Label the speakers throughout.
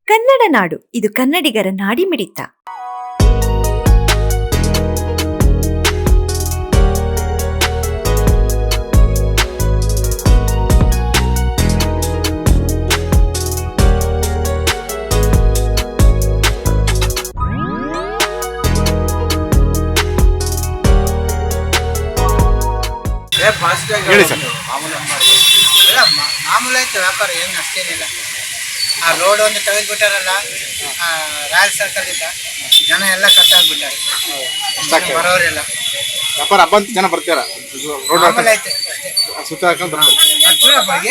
Speaker 1: ಕನ್ನಡ ನಾಡು, ಇದು ಕನ್ನಡಿಗರ ನಾಡಿಮಿಡಿತ.
Speaker 2: ಹೇಳಿ ಸರ್.
Speaker 3: ಮಾಮೂಲು ಆಯ್ತು ವ್ಯಾಪಾರ, ಏನು ಅಷ್ಟೇನಿಲ್ಲ. ಆ ರೋಡ್ ಒಂದು ತೆಗೆದ್ಬಿಟ್ಟಾರಲ್ಲ, ರಾಯಲ್ ಸರ್ಕಲ್ ಇಂದ ಜನ ಎಲ್ಲ ಕಟ್ಟಾಗ್ಬಿಟ್ಟಾರೆ, ಬರೋರೆಲ್ಲ.
Speaker 2: ವ್ಯಾಪಾರ ಹಬ್ಬ ಅಂತ ಜನ ಬರ್ತಾರ, ರೋಡ್
Speaker 3: ಮಾಮೂಲು ಆಯ್ತು ಅಷ್ಟೇ.
Speaker 2: ಸುತ್ತ ಹಾಕೊಂಡು ಬರ್ತಾರೆ.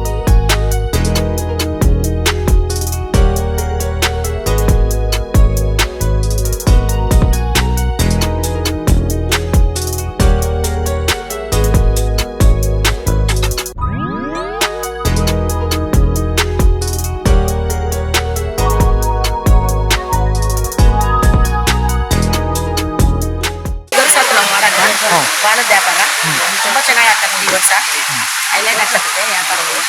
Speaker 4: ಬಾಣದ ವ್ಯಾಪಾರ ತುಂಬಾ ಚೆನ್ನಾಗಿ ಆಗ್ತದೆ ಈ ವರ್ಷ. ಹೈಲೈಟ್ ಆಗ್ತದೆ ವ್ಯಾಪಾರಗಳು.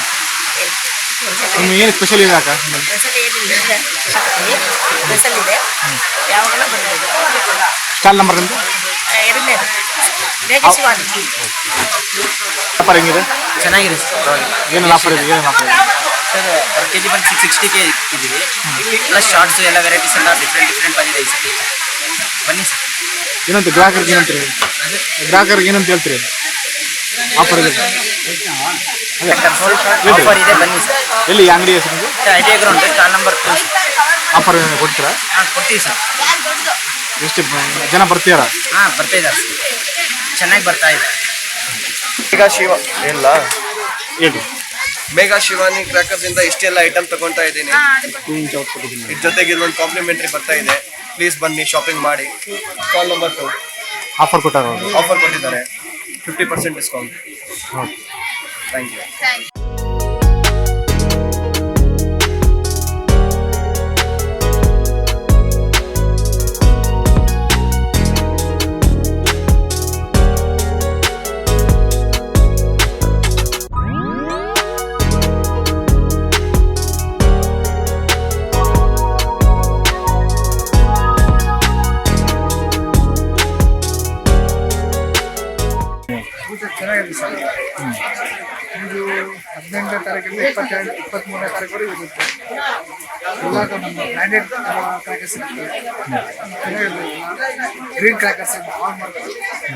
Speaker 2: ಏನು ಸ್ಪೆಷಲ್ ಇದೆ ಅಕ್ಕ?
Speaker 4: ಸ್ಪೆಷಲ್ ಏನಿಲ್ಲ, ಸ್ಪೆಷಲ್ ಇದೆ, ಯಾವಾಗಲೂ ಬರ್ಬೋದು.
Speaker 2: ಸ್ಟಾಲ್ ನಂಬರ್ ನಿಮ್ಮದು?
Speaker 4: ಎರಡನೇದು ಮೇಘಶಿವಾನಿ.
Speaker 2: ವ್ಯಾಪಾರ ಹೆಂಗಿದೆ?
Speaker 5: ಚೆನ್ನಾಗಿದೆ ಸರ್.
Speaker 2: ಏನೇನು ಆಫರ್ ಇದೆ? ಏನೇನು ಆಫರ್ ಇದೆ
Speaker 5: ಸರ್? ಪರ್ ಕೆ ಜಿ ಬಂದು 660ಗೆ ಇದ್ದೀವಿ. ಪ್ಲಸ್ ಶಾರ್ಟ್ಸು ಎಲ್ಲ ವೆರೈಟೀಸ್ ಎಲ್ಲ ಡಿಫ್ರೆಂಟ್ ಬಂದಿದೆ ಈ ಸತಿ. ಬನ್ನಿ ಸರ್.
Speaker 2: ಏನಂತ ಗ್ರಾಹಕರಿಗೆ ಏನಂತೀರಿ? ಗ್ರಾಹಕರಿಗೆ ಏನಂತ ಹೇಳ್ತೀರಿ? ಆಫರ್ ಇದೆ,
Speaker 5: ಆಫರ್ ಇದೆ, ಬನ್ನಿ ಸರ್.
Speaker 2: ಎಲ್ಲಿ ಅಂಗಡಿ ಹೆಸರು ನಿಮ್ಮದು?
Speaker 5: ITI ground stall number 2.
Speaker 2: Offer ಕೊಡ್ತೀರಾ?
Speaker 5: ಹಾಂ, ಕೊಡ್ತೀವಿ ಸರ್.
Speaker 2: ಎಷ್ಟು ಜನ ಬರ್ತೀರಾ?
Speaker 5: ಹಾಂ, ಬರ್ತಾ ಇದ್ದಾರೆ ಸರ್, ಚೆನ್ನಾಗಿ ಬರ್ತಾ ಇದೆ.
Speaker 6: ಮೇಘಾ ಶಿವ ಇಲ್ಲ,
Speaker 2: ಹೇಳಿ.
Speaker 6: ಮೇಘಾ ಶಿವಾನಿ ಕ್ರ್ಯಾಕರ್ಸ್ ಇಂದ ಇಷ್ಟೆಲ್ಲ ಐಟಮ್ ತಗೊಂತಾ ಇದ್ದೀನಿ. ಇದ್ರ ಜೊತೆಗೆ ಇದೊಂದು ಕಾಂಪ್ಲಿಮೆಂಟ್ರಿ ಬರ್ತಾ ಇದೆ. ಪ್ಲೀಸ್ ಬನ್ನಿ, ಶಾಪಿಂಗ್ ಮಾಡಿ. ಕಾಲ್ ನಂಬರ್ 2
Speaker 2: ಆಫರ್ ಕೊಟ್ಟಾರ ಅವರು?
Speaker 6: ಆಫರ್ ಕೊಟ್ಟಿದ್ದಾರೆ, 50% ಡಿಸ್ಕೌಂಟ್. Thank you.
Speaker 3: ಚೆನ್ನಾಗಿದೆ ಸರ್. ಇದು 18ನೇ ತಾರೀಕಿಂದ 23ನೇ ತಾರೀಕು ಇರುತ್ತೆ. ಎಲ್ಲ ನಮ್ಮ ಬ್ರ್ಯಾಂಡೆಡ್ ಕ್ರ್ಯಾಕರ್ಸ್ ಇರುತ್ತೆ. ಗ್ರೀನ್ ಕ್ರ್ಯಾಕರ್ಸ್ ಅಂತ ಆನ್ ಮಾಡ್ತಾರೆ.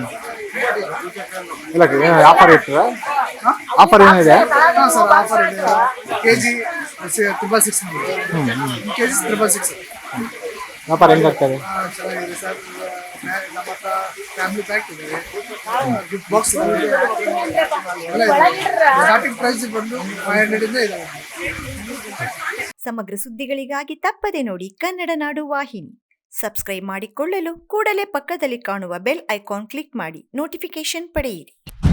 Speaker 2: ಇಲ್ಲ, ಆಫರ್ ಇರ್ತದ? ಆಫರ್ ಏನಿದೆ?
Speaker 3: ಹಾಂ ಸರ್, ಆಫರ್ ಇದೆ. KG 666 KG 666.
Speaker 2: ವ್ಯಾಪಾರ ಹೆಂಗಾಗ್ತದೆ?
Speaker 3: ಚೆನ್ನಾಗಿದೆ ಸರ್. ನಮ್ಮ ಹತ್ರ ಫ್ಯಾಮಿಲಿ ಪ್ಯಾಕ್ ಇದೆ, ಗಿಫ್ಟ್ ಬಾಕ್ಸ್ ಇದೆ, ಸ್ಟಾರ್ಟಿಂಗ್ ಪ್ರೈಸ್ ಬಂದು 500 ಇಂದ ಇದೆ.
Speaker 1: ಸಮಗ್ರ ಸುದ್ದಿಗಳಿಗಾಗಿ ತಪ್ಪದೆ ನೋಡಿ ಕನ್ನಡ ನಾಡು ವಾಹಿನಿ. ಸಬ್ಸ್ಕ್ರೈಬ್ ಮಾಡಿಕೊಳ್ಳಲು ಕೂಡಲೇ ಪಕ್ಕದಲ್ಲಿ ಕಾಣುವ ಬೆಲ್ ಐಕಾನ್ ಕ್ಲಿಕ್ ಮಾಡಿ ನೋಟಿಫಿಕೇಶನ್ ಪಡೆಯಿರಿ.